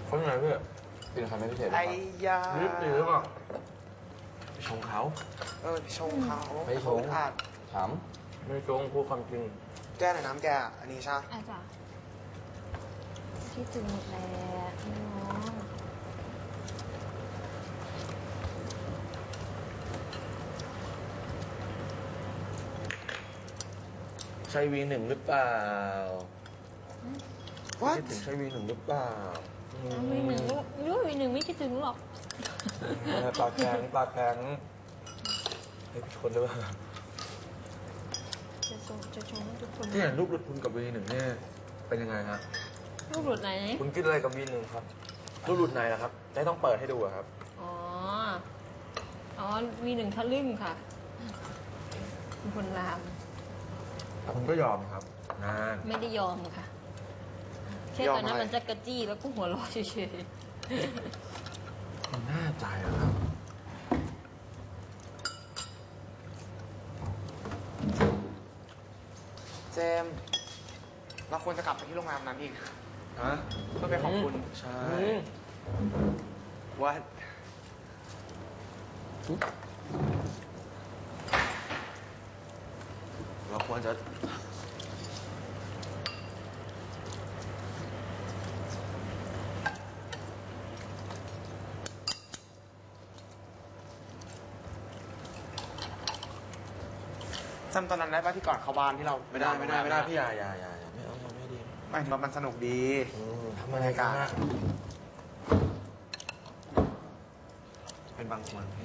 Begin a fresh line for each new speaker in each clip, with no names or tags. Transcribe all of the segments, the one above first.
เขาไงพี่กินใครไม่พิเศษ
ไอ้ยา
รีบหรือเปล่าไปชงเขา
ชงเขา
ไปชง
อาจ
ถามไม่ชงพูดความจริง
แก้หน่อยน้ำแกอันนี้ใช่
อาจารย์ที่ถึงหมดแล้วน้อง
ใช่วีหนึ่งหรือเปล่า
What?
คิดถึงใช่วีหนึ่งหรือเปล่า
วีหนึ่งรู้วีหนึ่งไม่คิดถึงหรอก
ปากแข็งปากแข็งให้ทุกคนด้วย
จะชมให้ทุกคน
ที่เห็นรูปหลุดคุณกับวีหนึ่งเนี่ยเป็นยังไงฮะ
รูปหลุดไหน
คุณคิดอะไรกับวีหนึ่งครับรูปหลุดไหนนะครับได้ต้องเปิดให้ดูอะครับ
อ๋อวีหนึ่งทะลึ่งค่ะเป็นคนลาม
คุณก็ยอมครับนาน
ไม่ได้ยอมค่ะแค่ตอนนั้นมันจะกระจี้แล้วก็หัวเราะเฉย
คุณแน่ใจเหรอครับ
เจมส์เราควรจะกลับไปที่โรงแรมนั้นอีก
ฮะ
เพื่อไปขอบคุณ
ใช่
ว่า
เราควรจะ
จำตอนนั้นได้ป่ะที่ก่อนเข้าบ้านที่เรา
ไม่ได้พี่อย่าไม่เอาไม่ดี
ไม่ถึงว่ามันสนุกดี
ทำอะไรกันอะเป็นบางคนพี่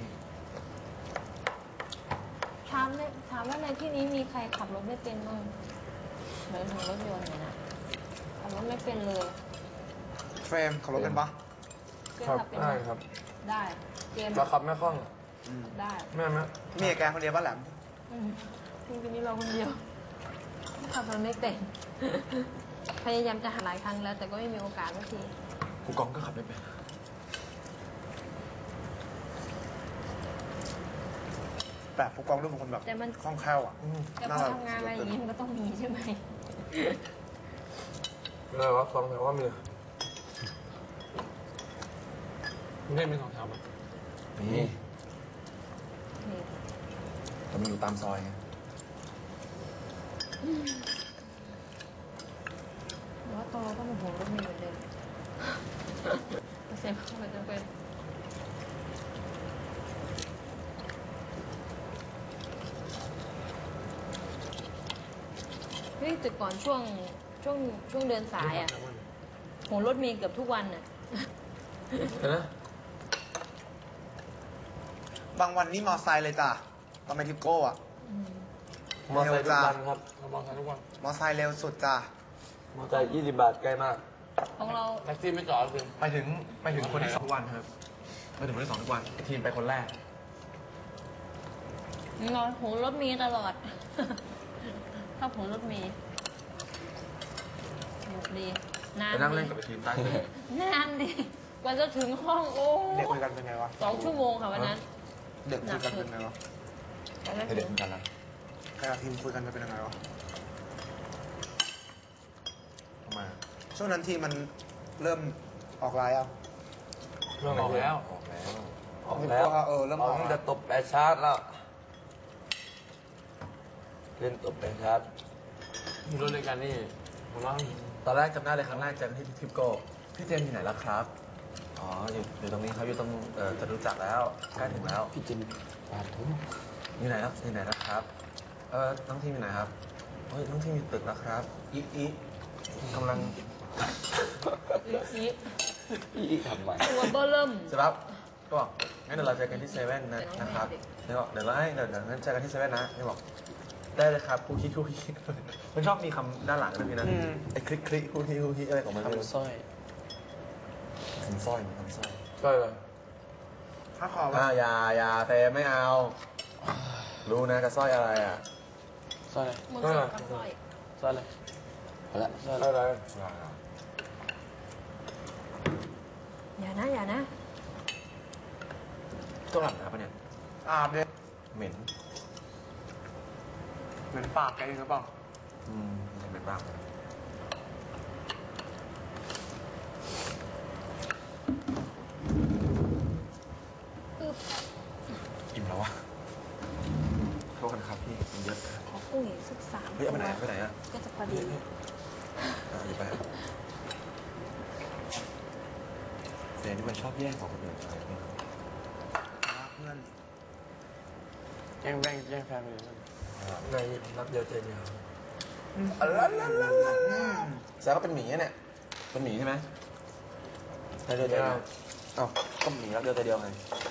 ๆถามว่าในที่นี้มีใครขับรถไม่เป็นบ้างเดินถึงรถยนต์เนี่ยนะขับรถไม่เป็นเลย
เฟรมขับรถเป็นปะ
เกม
ครับ
ขับเป็น
ได้
ไหม
ครับ
ได้เกม
แล้วขับไม่คล่อง
ได้
แม่ไหม
มีแกคนเดียวป่ะแหลม
จริงๆนี่เราคนเดียวขับรถไม่เป็น พยายามจะหาหลายครั้งแล้ว แต่ก็ไม่มีโอกาสสักที
กูกองก็ขับไม่เป็น
แบบผู้กองดูเป็นคนแบบ
แต่มัน
คล่องแคล่วอ่ะ
แต่พอทำงานอะไรอย่างนี้มันก็ต้องมีใช่ไหม
อะไรวะสองแถวว่ามีไม่มีสองแถวมั้ยมี
นี่
แต่มันอยู่ตามซอยไง
หรือว่าตอนเราต้องมาห่วงรถเมล์เหมือนเดิมเซ็นเข้าไปจะเป็นเฮ้ยแต่ก่อนช่วงเดินสายอ่ะโหรถเมล์เกือบทุกวันอ่ะ
เห็นไหม
บางวันนี่มอไซค์เลยจ้ะตอนไปทิปโก้อ่ะ
มอเตอร์ไซค์ทุกวันครับมอเตอร์ไซค์ทุกวัน
มอไซค์เร็วสุดจ้ะ
มอเตอร์ไซค์20 บาทใกล้มาก
ของเรา
แท็กซี่ไม่จอดคือไปถึงคนที่สองทุกวันครับไปถึงคนที่สองทุกวันทีมไปคนแรก
เราโหรถเมล์ตลอด ชอบโหรถเมล์สนุกดีนาน
ไปนั่ง
ดี
เล่นกับทีมใต้ทะเล
นานดิกว่าจะถึงห้องโอ้
เด็กคุยกันเป็นไงวะ
2 ชั่วโมงค่ะวันนั้น
เด็กคุยกันเป็นไงวะ
กว่าจะ
ให้
ถึ
เด็ก
ง
เหมือนกันนะ
ใครกับทีมคุยกันเป็นยังไงวะ
ทำไม
ช่วงนั้นทีมมันเริ่มออกไลน์อ่ะ
เริ่มออกแล้วออกแล้ว
เริ่มออก
ตั้งแต่ตบแปดชาร์จแล้วเล่นตบแปดชาร์จ
มีรถด้วยกันนี่ผมว่า
ตอนแรกจำได้เลยครั้งแรกเจอกันที่ทิปโก้พี่เจมส์อยู่ไหนแล้วครับ อ๋ออยู่ตรงนี้ครับอยู่ตรงจะรู้จักแล้วใกล้ถึงแล้ว
พี่จินปาดทุ่ม
อยู่ไหนนะครับน้องทีมอยู่ไหนครับเฮ้ยน้องทีมอยู่ตึกแล้วครับอีกำลัง
อีกทำไม
ตัวเบอร์เริ่ม
เสร็จแล้วก็บอกงั้นเดี๋ยวเราเจอกันที่เซเว่นนะครับเนี่ยบอกเดี๋ยวงั้นเจอกันที่เซเว่นนะเนี่ยบอกได้เลยครับคู่คิดมันชอบมีคำด้านหลังนะพี่นะไอ้คลิกคู่คิดอะไรของมันไม่รู้
ทำสร้อย
ทำสร้อย
สร้อยเลย
ถ้าขอ
อย่าเตะไม่เอา รู้นะกระสร้อยอะไรอ่ะ
สร้อย
มันสดกับสร้อย
สร้อยเลยเอาละสร้อย
อะไร
อย่านะ
ต้องหลับนะปะเนี่ย
อาบเลย
เหม็น
เหมือนปากแกเองหรือเปล่า
เหม็นมากเอาไปไหนไปไหนอ่ะ
ก็จะพอดี
หยิบไปครับเฟรนที่มันชอบแย่งของคนอื่นไปเนี่ย
เพื่อน
แย่งแบ่งแย่งแฟนไปเลย
ในรักเดียวใจเดียว
ม
แซวก็เป็นหมีอะเนี่ย เป็นหมีใช่ไหมรักเดียวใจเดียวอ้าวก็หมีรักเดียวใจเดียวไง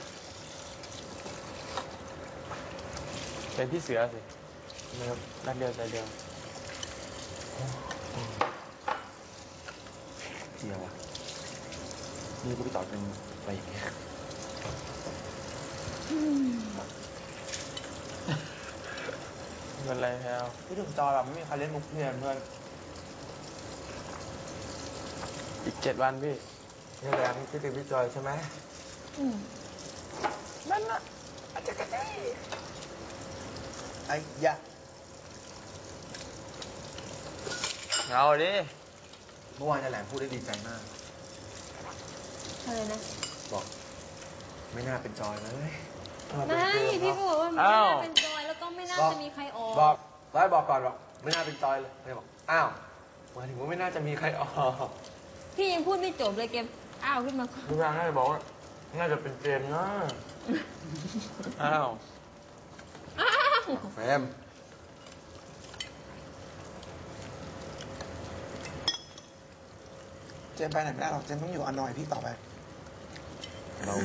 เป็นพี่เสือสิไม่ครับรักเดียวใจเดียว
เดียวอ่ะนี่กูไปต่อเป็นไปอย่างเงี้ย
เป็นไรแพลว
พี่ถึงจอแบบไม่มีใครเล่นมุกเพื่อนเพื่อน
อีก7 วันพี่
นี่แหละพี่ถึงพี่จอยใช่ไหม
อืม
นั่นน่ะอาจจะกระเด้
ไอ้ยะ
เอาดิ
เมื่อวานจะแหลมพูดได้ดีใจมาก
อะไรนะ
บอกไม่น่าเป็นจอยเลย
ไม่พี่ก็บอกว่าไม่น่าเป็นจอยแล้วก็ไม่น่าจะมีใครออก
บอกร้อยบอกก่อนบอกไม่น่าเป็นจอยเลยไม่บอกอ้าวหมายถึงว่าไม่น่าจะมีใครออก
พี่ยังพูดไม่จบเลยเกมอ้าวขึ้นมาก่อน
ทุกอย่างน่าจะบอกว่าน่าจะเป็นเจมส์นะ
อ้าว
อ้าว
แฟม
เจมไปไหนไม่ได้หรอกเจมต้องอยู่กับอนอยพี่ต่อไป
เรา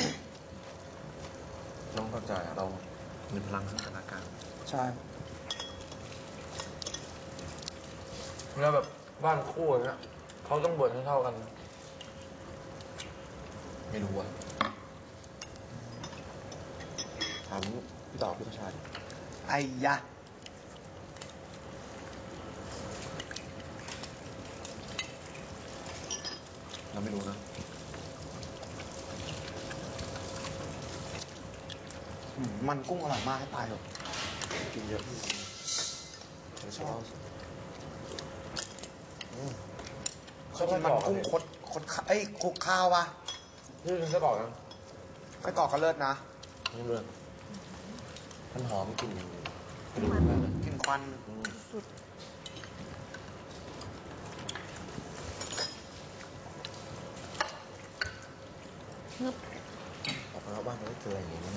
ต้องเข้าใจเรามีพลังสถานการณ์
ใช่
เวลาแบบบ้านคู่อย่างเงี้ยเขาต้องบ่นให้เท่ากัน ไม่รู้อ่ะถามพี่ต่อพี่ประชาดิ
ไอ้ยะ
เราไม่รู้นะ
มันกุ้งอร่อยมากให้ตายเถอะ
กินเยอะพี่ชอบ
เคยกินมันกุ้งคดเอ้ยคลุกข้าวปะ
นี่กินไส้กรอกนะ
ไส้กรอกก็เลิศนะ
นี่เลยมันหอมกลิ่นกระดูกมากเลย
กินควัน
สุดนึบ
ออกมาแล้วบ้านมันไม่เจออย่างนี้นะ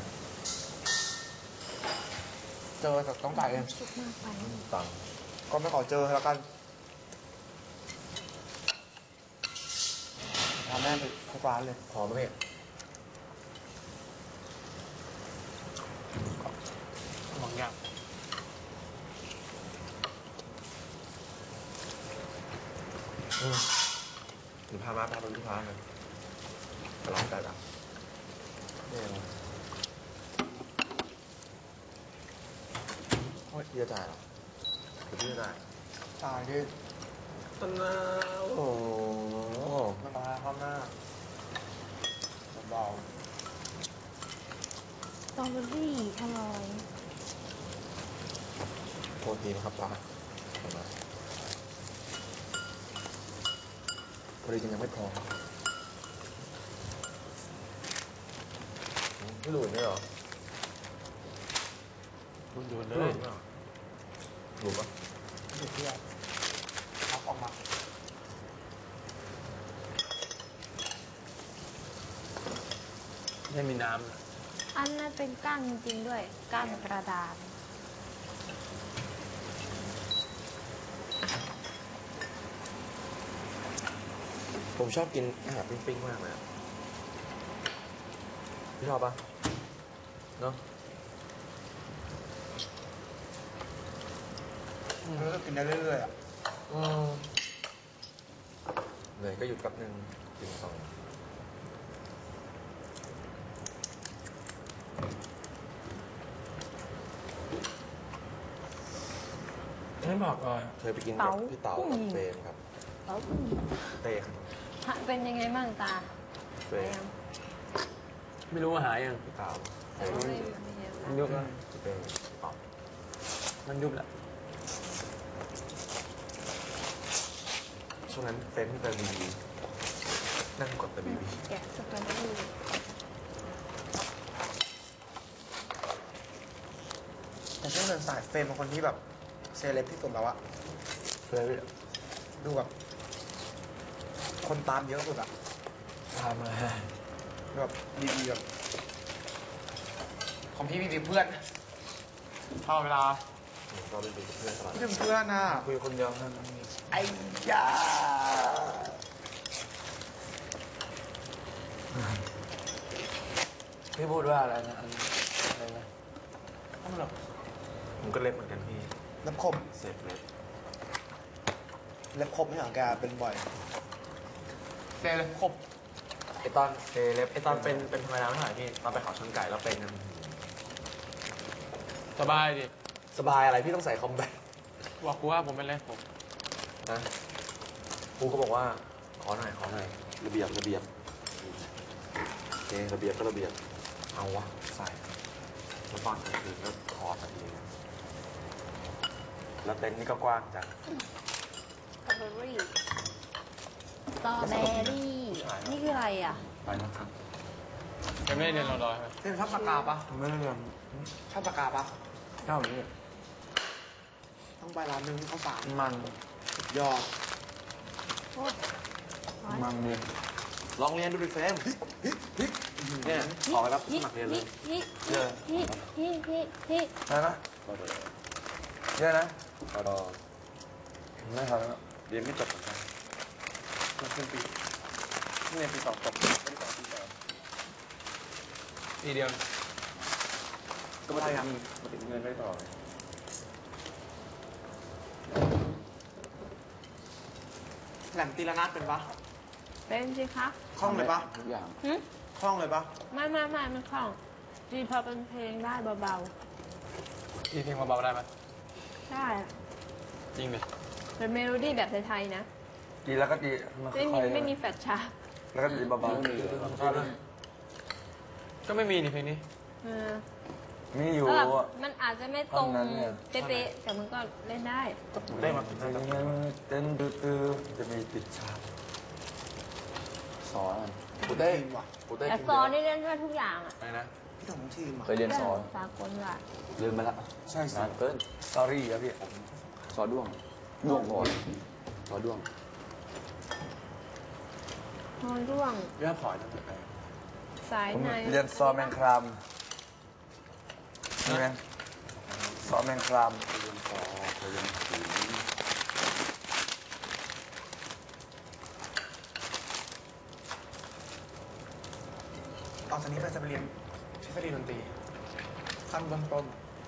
เจอแต่ต้องจ่ายเอง
สุดมากไป
ตังค์
ก็ไม่ขอเจอแล้วกันพาแม่ไปทุกร้านเลย
พอไหมพี่
บางอย่าง
หรือพามาพาไปที่ร้านเลยไปร้านไก่ดำนี่อะไรโอ้ยพี่จะจ่ายเหรอหรือพี่จะจ่าย
จ่ายดิ
ต้นน้าโอ้โห
ไม่มาข้างหน้าเบา
สตรอเบอรี่อร่อย
โทษทีนะครับป้าขอบคุณมากพอดีจริงยังไม่พอพี่หลุยไม่เหรอ
คุณอยู่เล
หลุ
ย
ยไม่เหรอหลุยปะ
ๆอยู่ที่อ่ะเอาออกมา
ไม่มีน้ำนะ
อันนั้นเป็นก้านจริงๆด้วย ก้านกระดาษ
ผมชอบกินอาหารปิ้งๆมากเลยอะพี่ชอบปะเนาะ
แล้วก็กินได้เรื่อยๆอ่ะ
เหนื่อยก็หยุดแป๊บนึงกินต่อ
ไม่บอกก่อน
เคยไปกินกับพี่เต๋ากับเฟรมครับ
แล้ว
เต้ครับ
ฮะเป็นยังไงบ้างตา
เฟรม
ไม่รู้ว่าหายยัง
พี่เต๋าเฟ
แต่
รม
ว่าไม่เยอะ
มัน
นะ
ยุบแล้ว
พี่เต้พี่ต๋อ
มันยุบแล้ว
ช่วงนั้นเฟรมที่เป็นบีบีนั่งกดแต่บีบี
แกะสตรอเบอรี่
แต่ช่วงเดินสายเฟรมเป็นคนที่แบบเซเลบที่สุดแล้วอะ
เลยพี่
ดูแบบคนตามเยอะสุดอะ
ทำอะไร
แบบดีๆแบบของพี่มีเพื่อนพอเวลา
เราเป็นเพื่อนตลอด
ไม่เป็นเพื่อนอะ
คุยคนเดียวนั่น
ไอ้ยา
พี่พูดว่าอะไรนะอะไรนะ
ทำไมหรอ
ผมก็เล็บเหมือนกันพี่
เล็บคม
เสพเล็บ
เล็บคมไม่ของแกเป็นบ่อยแกเล็บคม
ไอตอนเล็บไอตอนเป็นธรรมดาไม่เท่าไหร่พี่ตอนไปเขาชนไก่แล้วเป็นกัน
สบายดิ
สบายอะไรพี่ต้องใส่คอมแบท
บอกกูว่าผมเป็นไรผม
นะครูก็บอกว่าขอหน่อยระเบียบโอเคระเบียบก็ระเบียบเอาวะใส่แล้วตอนกลางคืนก็คอสักทีแล้วเต็นท์นี่ก็กว้างจัง
สตรอเบอรี่สตรอเบอรี่นี่คืออะไรอ่ะ
ไปนะครับ
ยังไม่ได้เรียนรอดอยไหม
เต้นชอบปากกาปะ
ไม่ได้เรียน
ชอบปากกาปะ
เท่านี้
ต้องไปร้านนึงข้าวสาร
มัน
สุดยอด
โอ้ย
มันดีลองเรียนดูดิเฟรมเนี่ยขอไปรับสมัครเรียนเลย
ฮิ
ได้นะเยอะนะไม่ครับเรียนไม่จบเหมือนกันมาขึ้นปีนี่เรียนปีสองจบไม่ได้ต่อปีสอง
ทีเดียว
ก็มาถึงเงินไม่ต่อ
แหลมตีละนาดเป็นปะ
เป็นสิคะ
คล่องเลยปะ
ทุกอย่าง
หึ
คล่องเลยปะ
ไม่มันคล่องดีพอเป็นเพลงได้เบา
ทีเพลงเบาๆได้ไหม
ๆได้
จริงดิ
เป็นเมโลดี้แบบไทยๆนะ
ดีแล้วก็ดี
ไม่มีแฟลชชาร์ป
แล้วก็ดีเบาๆ
ก็ไม่มีนี่เพลงนี้
เออ
มีอยู่
แล้วแบบมันอาจจะไม่ตรง
ตอนนั้นเนี่ย
เป๊ะๆแต่มันก็เล่นได้
ได้มาเต้นตื้อจะมีติดฉากสอนกูได้
ว่ะ
กูได้
แต่ซอนี่เล่นได้ทุกอย่างอ่ะ
อะไรนะ
พี่ของทีมอ่ะ
เคยเรียนสอน
สากลว่ะ
ลืมไปละใช่นานเกินสตอรี่ครับพี่สอด้วงก่อนสอด้วง
ฮอนร่วง
เรื่องพอร์ตตั้งแต่แรก
สาย
ผม
ใน
เรียนซอแมงครามนี่ไหมซอแมงครามเรียนซอเรียนผี
ตอนนี้เราจะไปเรียนทฤษฎีดนตรีขั้นเบื้องต้น